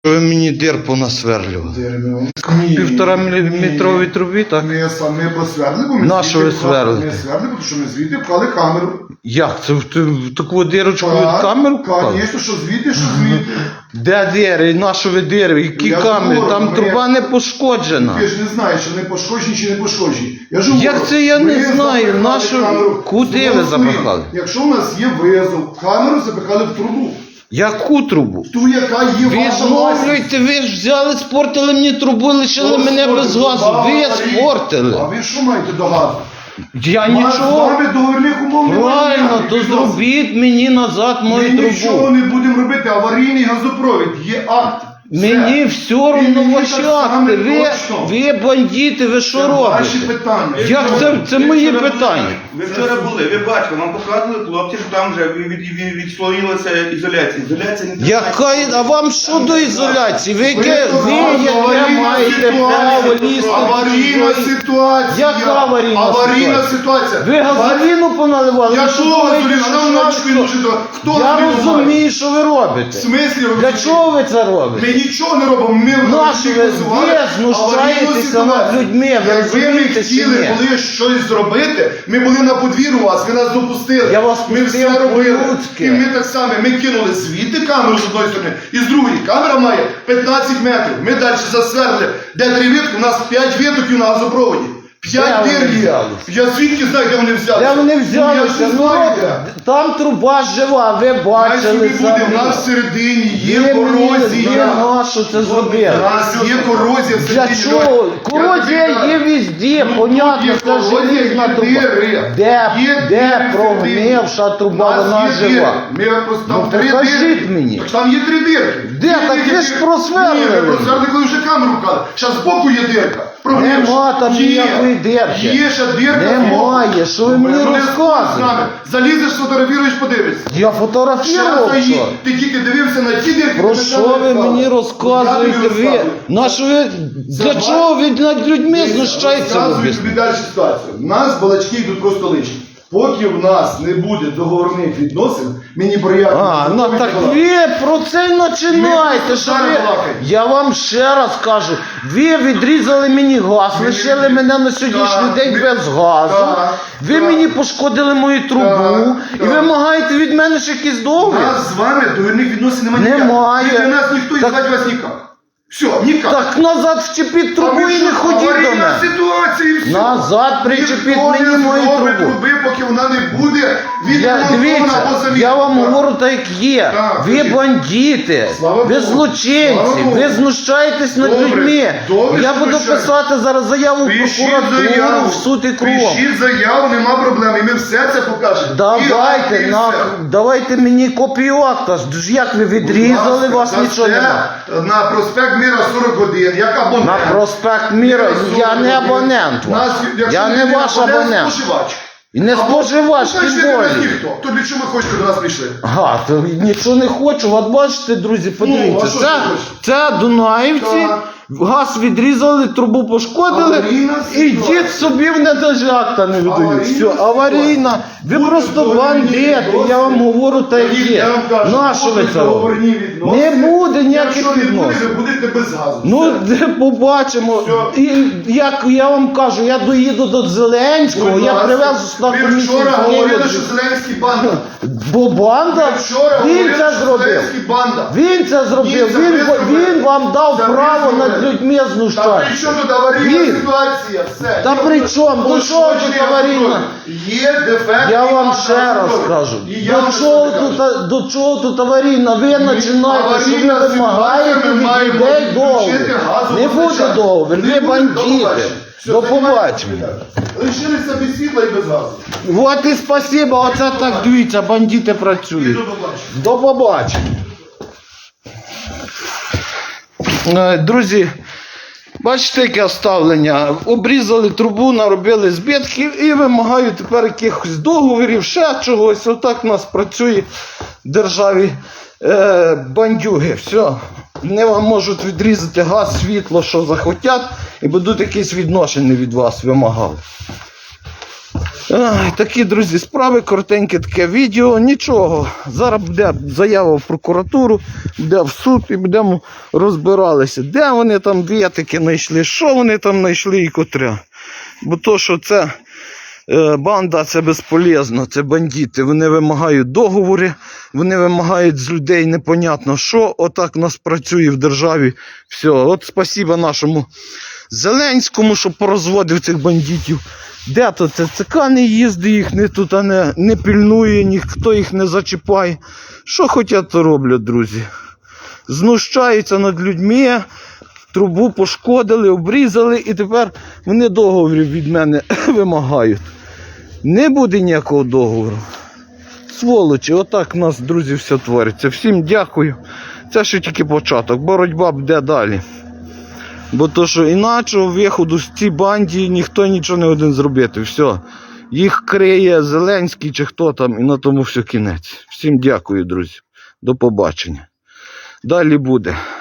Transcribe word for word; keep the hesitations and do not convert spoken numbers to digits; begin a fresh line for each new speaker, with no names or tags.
Ви мені дир понасверлювали. Півтора метровій трубі, так?
Ми самі посверли, бо ми
Нащо ви сверлите?
Ми сверли, тому що ми звідти вклали камеру.
Як? Це в, ти в таку дирочку від камеру вклали?
Звісно, що звідти, що звідти.
Де дири? Нащо ви дири? Які
Я
камери?
говорю,
Там
ми-
труба не пошкоджена.
Ти ж не знаєш, що не пошкоджені чи не пошкоджені. Я ж
Як
говорю,
це я не
ми
знаю?
запихали
Нашу-
камеру.
Куди ви
Знову
запихали?
Якщо у нас є визов, камеру запихали в трубу.
Яку трубу?
Ту, яка є
Ви
ваша власність.
зновлюєте, ви ж взяли, спортили мені трубу, лишили мене без газу. Ви спортили.
А ви що маєте до газу?
Я
У нас з
нічого.
вами договірних умов немає.
Правильно,
ніяких
то
відносин.
зробіть мені назад
Ми
мою
нічого
трубу.
не будемо робити. Аварійний газопровід. Є акт. Все.
Мені все
І
одно
мені
ваші
так само
акти. Ви,
точно.
ви бандити, ви що
Це ваші
робите?
питання.
Як це, це
Ви
мої
вчора
питання?
були- Ви вчора були, ви бачили, вам показували хлопці, що там вже від, від, від, відслоїлася ізоляція. Ізоляція не
Яка, а вам що до ізоляції? Ви, яке, ви яке
Аварійна
маєте
ситуація.
право лізти?
Аварійна
в чужої-
ситуація.
Яка аварійна
Аварійна
ситуація?
ситуація.
Ви газоліну поналивали?
Я
Ви
що
думаєте,
газоліну?
що
Нам
ви
начку
що?
дуже до- Хто
Я
газоліну має?
розумію, що ви
В
робите.
смислі ви
Для
розумієте?
чого ви це робите?
Ми нічого не робимо. Ми
Нащо ви-
визивали
ви знущаєтеся
аварійну ситуацію.
над людьми, ви
Якби ми
розумієте чи
хотіли
ні?
були щось зробити, ми були на подвір'ю у вас, ви нас допустили.
Я вас
ми
пустив
все робили.
по-людськи.
І ми так само, ми кинули звідти камеру з одної сторони, і з другої. Камера має п'ятнадцять метрів. Ми далі засверли, де три витки, у нас п'ять витоків на газопроводі. П'ять
Де вони
дир є.
взялись?
Я звідки знаю, де вони взялися?
Де вони
Ну, я
взялися?
ж не
Ну,
знаю,
от,
де.
там труба жива, ви
Хай
бачили
собі буде,
самі.
у нас всередині є
Ви мені- ви
корозія.
нащо це
У
зробили?
нас є корозія
Для
всередині.
чого?
Я
Корозія
тобі
є
кажу.
везде,
Ну,
понятно,
тут є
це
корозія,
желізна
є
труба.
дири.
Де,
Є
де
дири
прогнивша
всередині.
труба,
У нас
вона
є
жива?
дири. Ми просто там
Ну,
три
покажіть
дирки.
мені.
Так там є три дирки.
Де?
Дві
Так
дирки.
ви ж просверли.
Ні, ви просверли, коли вже камеру вкали. Зараз збоку є дирка. Прогнивша.
Нема там
Є.
ніякої дирки.
Є ще дирка.
Немає.
збоку.
Що ви мені
Ну, не
розказуєте?
з нами. Залізеш, сфотографіруєш, подивишся.
Я
Ще
фотографував.
раз
що?
ти тільки дивився на ті дирки.
Про
ти
що
там
ви
не
мені
вкали.
розказуєте?
Я тобі
Ви,
розказую.
на що ви, для
Це
чого ви над людьми знущаєтеся?
Розказую
об'ясніть?
тобі далі ситуацію. У нас балачки йдуть просто лишні. Поки в нас не буде договорних відносин, мені прояви.
А, ну так ви про це й починаєте.
Ми
Що
просто
ви...
балакаємо.
Я вам ще раз кажу, ви відрізали мені газ,
Ми
лишили
не-
мене на сьогоднішній
Так,
день
ми-
без газу.
Так,
ви
так.
мені пошкодили мою трубу
Так,
і
так.
вимагаєте від мене ще якісь
У
договір.
нас з вами договірних відносин немає.
Немає.
Ніяких. Для нас ніхто і
Так-
звати вас ніяк. Все, ніяк.
Так назад вчепіть
А
трубу
ви
і
що,
не ходіть до
аварійна
мене.
ситуація і все.
Назад причепіть
Ніхто
мені
не
мою
зробить
трубу.
труби, поки вона не буде
Я,
відремонтована
дивіться,
або замінена.
я вам говорю так, як є.
Так,
Ви
кажіть.
бандити,
Слава
ви
Богу.
злочинці,
Слава Богу.
ви знущаєтесь над
Добре,
людьми.
добре,
Я
що
буду
знущаюсь.
писати зараз заяву в
Пишіть
прокуратуру,
заяву,
в суд і кров.
пишіть заяву, нема проблем, і ми все це покажемо. І
Давайте,
акти, і
на,
все.
давайте мені копію акта. Ж як ви відрізали,
Будь ласка,
вас
за
нічого
це
немає.
На проспект Міра сорок один, як абонент.
На проспект Міра, я не абонент ваш.
Нас, якщо
Я не ваш абонент.
споживач.
І не споживач,
Ну, значить,
тим
ви до нас
более.
ніхто. То для чого ви хочете до нас прийшли?
Ага, то нічого не хочу. От бачите, друзі, подивіться.
Ну, а що
це,
ти хочеш?
це Дунаївці,
Так.
газ відрізали, трубу пошкодили.
Аварійна
Ідіть
ситуація.
собі, мене навіть акта не видають.
Аварійна
Все, аварійна. Ви
Будуть
просто
договірні
бандити,
відносини.
я вам говорю так як
Тоді
є.
я вам кажу,
Нащо ви
будуть
це робите?
договірні відносини.
Не буде ніяких
Якщо не буде,
відносин.
ви будете без газу.
Ну,
Все.
де побачимо.
Все.
І як я вам кажу, я доїду до Зеленського,
Будь
я
ласка.
привезу сюди
Ви
комісію.
вчора
з
говорили,
Києва.
що Зеленський банда.
Бо банда,
Ви вчора
він
говорили,
це
що
зробив.
Зеленський банда.
Він це зробив,
Ні, це
він,
ви зробили.
він вам дав
Це ви
право над
зробили.
людьми
Та при
знущатися.
чому тут аварійна
Він.
ситуація? Все.
Та при чому? До чого тут аварійна?
Є дефект.
Я вам ще раз кажу, до чого, тут, до чого тут аварійна? Ви починаєте, що ви
аварійна
вимагаєте
ситуація, ми
від
маємо
людей договір.
відключити газову
Не буде
постачання.
договір,
Не
ви
буде,
бандити.
до побачення. Все,
До
займайтеся
побачення.
питанням. Лишилися без світла і без газу.
От і спасибо, оце так дивіться, бандити
І
працюють.
до побачення.
До побачення. Е, Друзі, бачите, яке ставлення. Обрізали трубу, наробили збитків і вимагають тепер якихось договорів, ще чогось. Отак у нас працює в державі е, бандюги. Все. Вони вам можуть відрізати газ, світло, що захотять, і будуть якісь відношення від вас вимагати. Ай, такі, друзі, справи, коротеньке таке відео, нічого. Зараз буде заява в прокуратуру, буде в суд і будемо розбиралися, де вони там вітики знайшли, що вони там знайшли і котря. Бо то, що це е, банда, це безполезно, це бандити. Вони вимагають договори, вони вимагають з людей непонятно що. Отак у нас працює в державі. Все, от спасіба нашому Зеленському, що порозводив цих бандитів. Де то це ЦК не їздить, їх не тут не, не пильнує, ніхто їх не зачіпає. Що хочуть, то роблять, друзі. Знущаються над людьми, трубу пошкодили, обрізали і тепер вони договорів від мене вимагають. Не буде ніякого договору. Сволочі, отак у нас, друзі, все твориться. Всім дякую. Це ще тільки початок. Боротьба буде далі. Бо то, що іначого виходу з цій банді ніхто нічого не один зробити. Все. Їх криє Зеленський чи хто там, і на тому все кінець. Всім дякую, друзі. До побачення. Далі буде.